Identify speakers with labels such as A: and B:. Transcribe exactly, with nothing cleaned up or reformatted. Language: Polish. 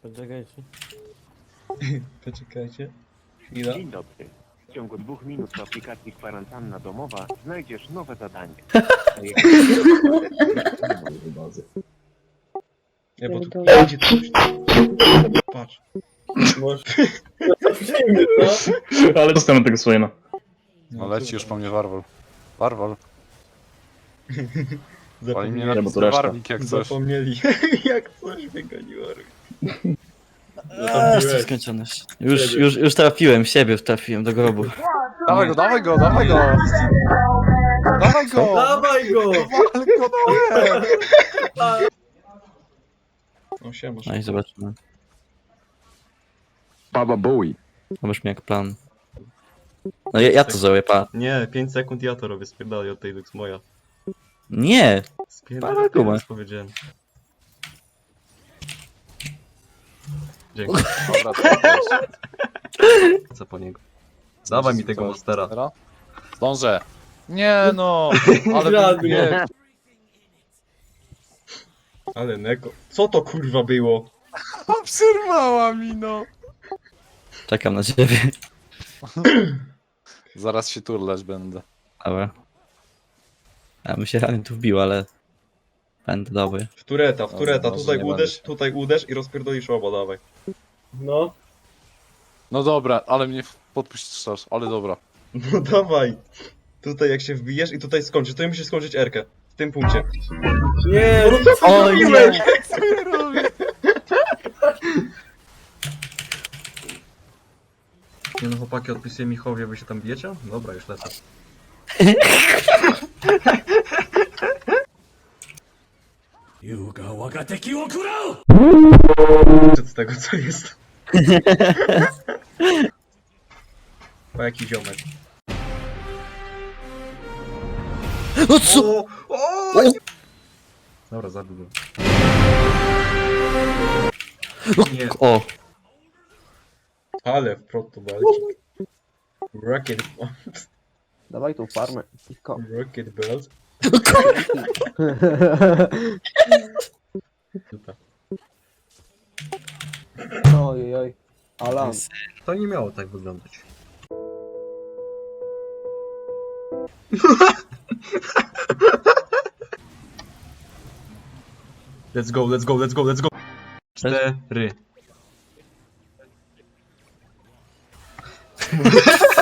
A: Poczekajcie.
B: Poczekajcie. Chwila.
C: Dzień dobry. W ciągu dwóch minut w aplikacji Kwarantanna Domowa znajdziesz nowe zadanie.
B: Nie, bo tu będzie coś. Patrz.
D: Ale dostanę tego Swaina.
E: No leci już po mnie Warwol. Warwol. Pali mnie na
D: Nie, bo to reszta.
E: warnik jak coś.
B: Zapomnieli. Jak coś wygoniło.
F: Eee, jestem skończony. Już, już, już trafiłem w siebie, trafiłem do grobu.
E: Dawaj go, dawaj go, dawaj go! Dawaj go!
A: Dawaj go!
E: Dawaj go, dawaj!
B: No siema.
F: No i zobaczymy.
G: Baba Bowie.
F: Zobaczmy jak plan. No ja, ja to zrobię, pa.
B: Nie, pięć sekund ja to robię, spierdalaj od tej Lux moja.
F: Nie!
B: Spierdalaj,
F: Dawaj, Kuba.
B: już powiedziałem. Dzięki.
E: Dobra, to jest.
B: Co po niego? Dawaj mi tego monstera.
E: Teraz? Zdążę. Nie no, ale
A: Żadnie.
E: nie.
B: Ale neko. Co to kurwa było?
E: Przerwała mi no.
F: Czekam na ciebie.
E: Zaraz się turlać będę.
F: Dobra. Ja bym się realnie tu wbił, ale... Będę dobry.
B: W tureta, w tureta.
E: może
B: Tutaj
E: nie
B: uderz,
E: będę.
B: tutaj uderz i rozpierdolisz oba, dawaj.
A: No.
E: No dobra, ale mnie podpuścisz, ale dobra.
B: No dawaj. Tutaj jak się wbijesz i tutaj skończysz. Tutaj musisz skończyć R-kę. W tym punkcie.
A: Nie,
F: O nie!
E: Co ja robię?
B: Nie no chłopaki, odpisuję Michowie, wy się tam bijecie? Dobra, już lecę. Z tego co jest. O jaki ziomek.
F: No co?
B: O, o, dobra, zabił go. Nie,
F: O!
B: ale w proto walki. Rocket,
A: Dawaj tą farmę. Cicho.
B: rocket belt. Super.
A: Oj, oj. Alan.
B: To nie miało tak wyglądać. Let's go, let's go, let's go, let's go. Cztery.